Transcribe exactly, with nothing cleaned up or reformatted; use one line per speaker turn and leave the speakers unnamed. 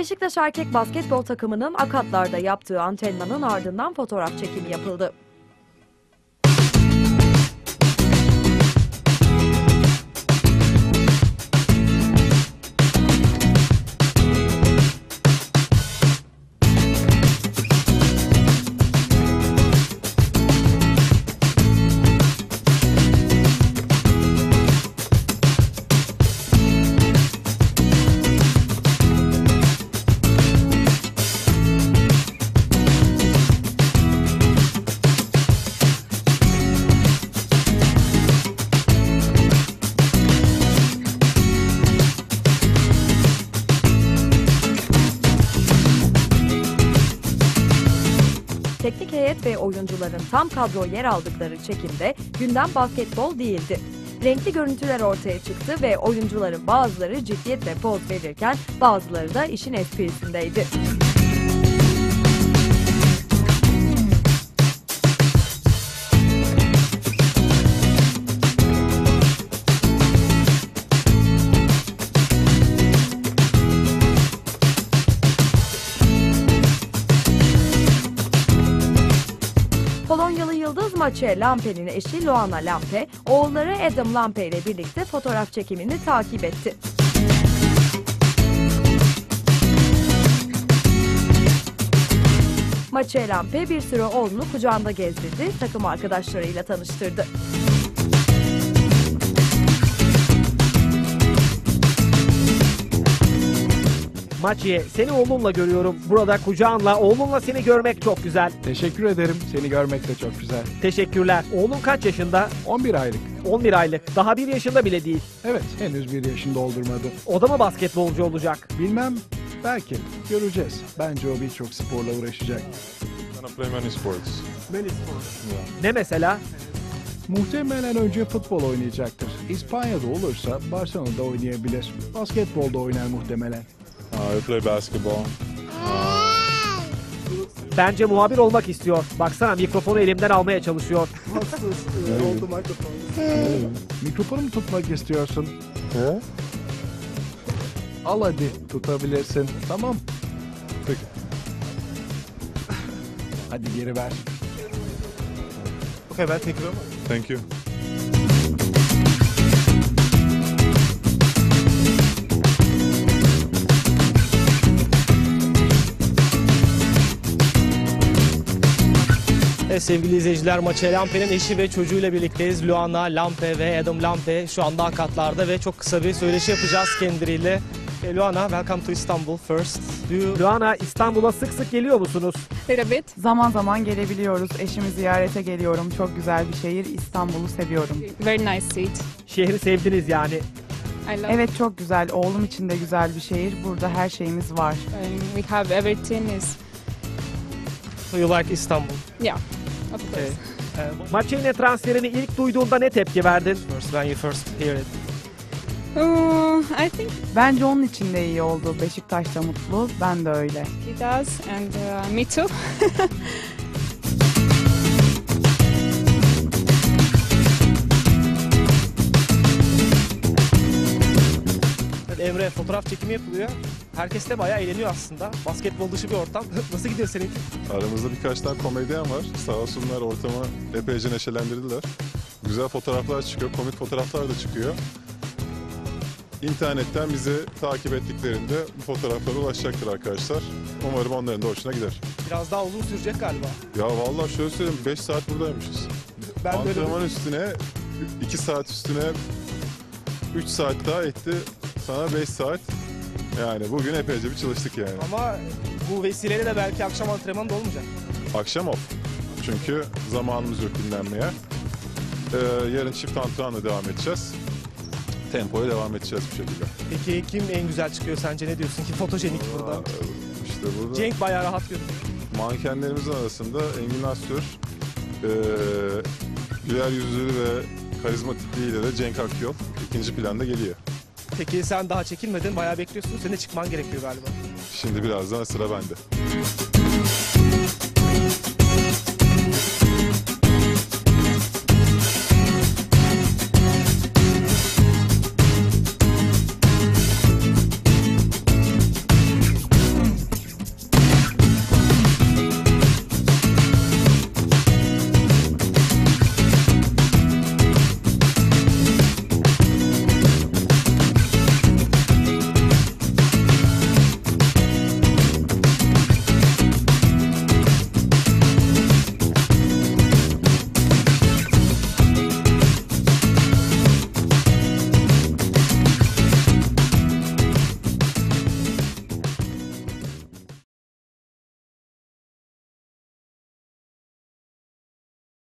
Beşiktaş erkek basketbol takımının Akatlar'da yaptığı antrenmanın ardından fotoğraf çekimi yapıldı. Teknik heyet ve oyuncuların tam kadro yer aldıkları çekimde gündem basketbol değildi. Renkli görüntüler ortaya çıktı ve oyuncuların bazıları ciddiyetle poz verirken bazıları da işin esprisindeydi. Polonyalı yıldız Maciej Lampe'nin eşi Luana Lampe, oğulları Adam Lampe ile birlikte fotoğraf çekimini takip etti. Maciej Lampe bir süre oğlunu kucağında gezdirdi, takım arkadaşlarıyla tanıştırdı.
Maciej, seni oğlunla görüyorum. Burada kucağınla, oğlunla seni görmek çok güzel.
Teşekkür ederim. Seni görmek de çok güzel.
Teşekkürler. Oğlun kaç yaşında?
on bir aylık.
on bir aylık. Daha bir yaşında bile değil.
Evet, henüz bir yaşını doldurmadı.
O da mı basketbolcu olacak?
Bilmem, belki. Göreceğiz. Bence o birçok sporla uğraşacak.
Gonna play many sports.
Many sports. Ne mesela?
Muhtemelen önce futbol oynayacaktır. İspanya'da olursa Barcelona'da oynayabilir. Basketbolda oynar muhtemelen.
Uh, I play basketball.
Bence muhabir olmak istiyor. Baksana mikrofonu elimden almaya çalışıyor.
Mikrofonu mu tutmak istiyorsun?
Yeah?
Al hadi, tutabilirsin. Tamam.
Peki.
Hadi geri ver.
Okay, ben thank you. Thank you.
Evet, sevgili izleyiciler, Maciej Lampe'nin eşi ve çocuğuyla birlikteyiz. Luana Lampe ve Adam Lampe şu anda Akatlar'da ve çok kısa bir söyleşi yapacağız kendileriyle. E, Luana, welcome to Istanbul first. Do you...
Luana, İstanbul'a sık sık geliyor musunuz?
Little bit. Zaman zaman gelebiliyoruz. Eşimi ziyarete geliyorum. Çok güzel bir şehir. İstanbul'u seviyorum.
Very nice city.
Şehri sevdiniz yani.
I love.
Evet, çok güzel. Oğlum için de güzel bir şehir. Burada her şeyimiz var.
Um, we have everything is.
So you like Istanbul?
Yeah, of course.
Okay. Uh,
Maciej'in transferini ilk duyduğunda ne tepki verdin?
first, when you first hear it.
Uh, I think
Bence onun için de iyi oldu. Beşiktaş da mutlu. Ben de öyle.
he does, and uh, me too.
Evet, Emre, fotoğraf çekimi yapılıyor. Herkes de bayağı eğleniyor aslında. Basketbol dışı bir ortam. Nasıl gidiyor senin?
Aramızda birkaç tane komedyen var. Sağ olsunlar, ortamı epeyce neşelendirdiler. Güzel fotoğraflar çıkıyor, komik fotoğraflar da çıkıyor. İnternetten bizi takip ettiklerinde bu fotoğraflara ulaşacaktır arkadaşlar. Umarım onların da hoşuna gider.
Biraz daha uzun sürecek galiba.
Ya vallahi şöyle söyleyeyim, beş saat buradaymışız.
Ben de öyle
Antrenman üstüne, iki saat üstüne üç saat daha etti. Sana beş saat. Yani bugün epeyce bir çalıştık yani.
Ama bu vesileyle de belki akşam antrenmanı da olmayacak.
Akşam off. Çünkü zamanımız yok dinlenmeye. Ee, yarın çift antrenmanla devam edeceğiz. Tempoya devam edeceğiz bu şekilde.
Peki kim en güzel çıkıyor sence, ne diyorsun ki fotojenik burada?
Aa, işte burada
Cenk bayağı rahat görünüyor.
mankenlerimizin arasında Engin Astür, ee, güler yüzlü ve karizmatikliğiyle de Cenk Akyol ikinci planda geliyor.
Peki sen daha çekilmedin, bayağı bekliyorsun. Senin de çıkman gerekiyor galiba.
Şimdi birazdan sıra bende.